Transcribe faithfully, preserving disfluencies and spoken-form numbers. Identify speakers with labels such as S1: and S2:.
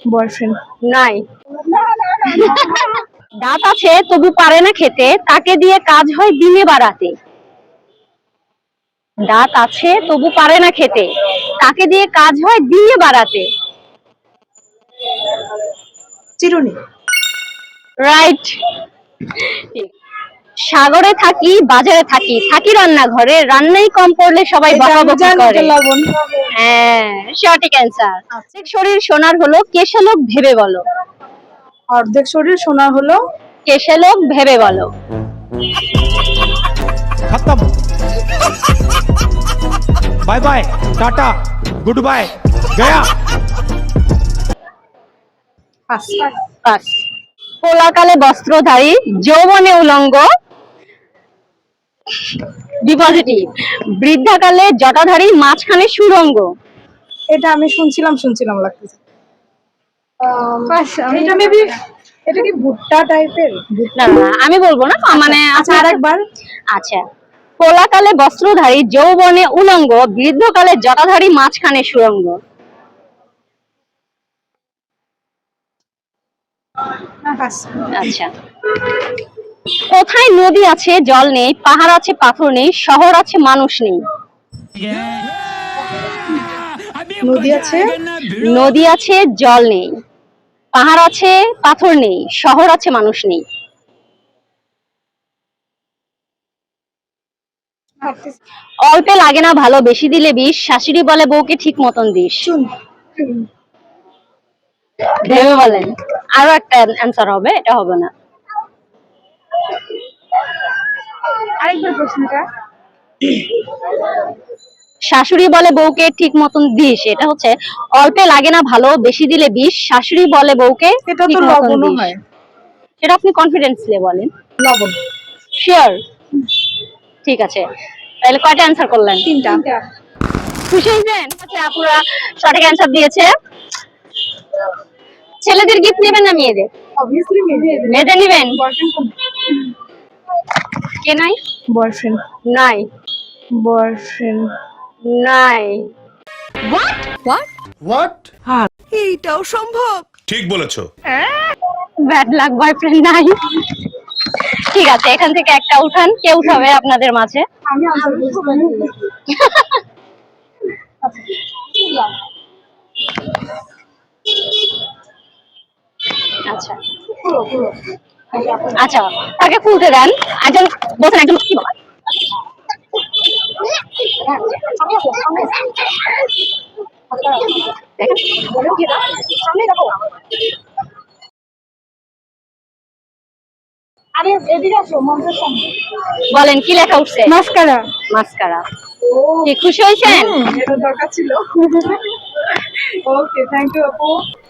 S1: Boyfriend.
S2: নাই। দাঁত আছে তবু পারে না খেতে, তাকে দিয়ে কাজ হয় দিনে বা রাতে। দাঁত আছে তবু পারে না খেতে, তাকে দিয়ে কাজ হয় দিনে বা রাতে।
S1: চিরুনি।
S2: রাইট। সাগরে থাকি বাজারে থাকি, থাকি রান্নাঘরে, রান্নাই কম করলে সবাই বকাবকি করে।
S1: লবণ।
S2: হ্যাঁ, সঠিক অ্যান্সার। অর্ধেক শরীর সোনার হলো, কেশে লোক ভেবে বলো।
S1: অর্ধেক শরীর সোনার হলো,
S2: কেশে লোক ভেবে বলো।
S3: खत्म bye bye tata good bye गया।
S1: পাস।
S2: পাস। পোলাকালে বস্ত্রধারী, যৌবনে উলঙ্গ, ডিপোজিটিভ। বৃদ্ধাকালে জটাধারী, মাঝখানে সুরঙ্গ।
S1: এটা আমি শুনছিলাম শুনছিলাম লাগতেছে। এটা মেবি, এটা কি ভুট্টা টাইপের?
S2: না না আমি বলবো না, মানে
S1: আচ্ছা আরেকবার।
S2: আচ্ছা, পোলাকালে বস্ত্রধারী, যৌবনে উলঙ্গ, বৃদ্ধকালে জটাধারী, মাঝখানে সুরঙ্গ। আচ্ছা, কোথায় নদী আছে জল নেই, পাহাড় আছে পাথর নেই, শহর আছে মানুষ নেই।
S1: নদী আছে,
S2: নদী আছে জল নেই, পাহাড় আছে পাথর নেই, শহর আছে মানুষ নেই। অল্পে লাগে না ভালো, বেশি দিলে বিষ, শাশুড়ি বলে বউকে ঠিক মতন দিস। ভেবে বলেন। আরো একটা অ্যান্সার হবে, এটা হবে না।
S1: আরেকবার প্রশ্নটা।
S2: শাশুড়ি বলে বউকে ঠিক মতন দিস, এটা হচ্ছে অল্পে লাগে না ভালো, বেশি দিলে বিষ, শাশুড়ি বলে বউকে
S1: এটা তো
S2: ঠিক মতন
S1: লবণও
S2: দিস।
S1: হয়।
S2: সেটা আপনি কনফিডেন্সলি বলেন।
S1: লবণ।
S2: শিওর? ঠিক আছে, তাহলে কয়টা অ্যান্সার করলেন?
S1: তিনটা।
S2: খুশি হয়েছেন? আচ্ছা, আপুরা সঠিক অ্যান্সার দিয়েছে। ছেলেদের গিফট নেবেন না মেয়েদের?
S1: অবভিয়াসলি মেয়েদের।
S2: মেয়েদের নেবেন।
S1: বয়ফ্রেন্ড
S2: কে নাই?
S1: বয়ফ্রেন্ড
S2: নাই।
S1: বয়ফ্রেন্ড
S2: নাই।
S4: What what
S5: what?
S4: এইটাও সম্ভব?
S5: ঠিক বলেছো।
S2: ব্যাড লাক, বয়ফ্রেন্ড নাই। ঠিক আছে, এখান থেকে একটা উঠান, কে উঠাবে আপনাদের মাঝে?
S1: আমি আনসার
S2: আচ্ছা আচ্ছা, তাকে খুলতে দেন। একজন বলছেন, একজন কি বলে বলেন কি লেখা উঠছে?
S1: মাস্কারা।
S2: মাস্কারা। কি খুশি হয়েছেন?
S1: এটা দরকার ছিল। ওকে, থ্যাংক ইউ আপু।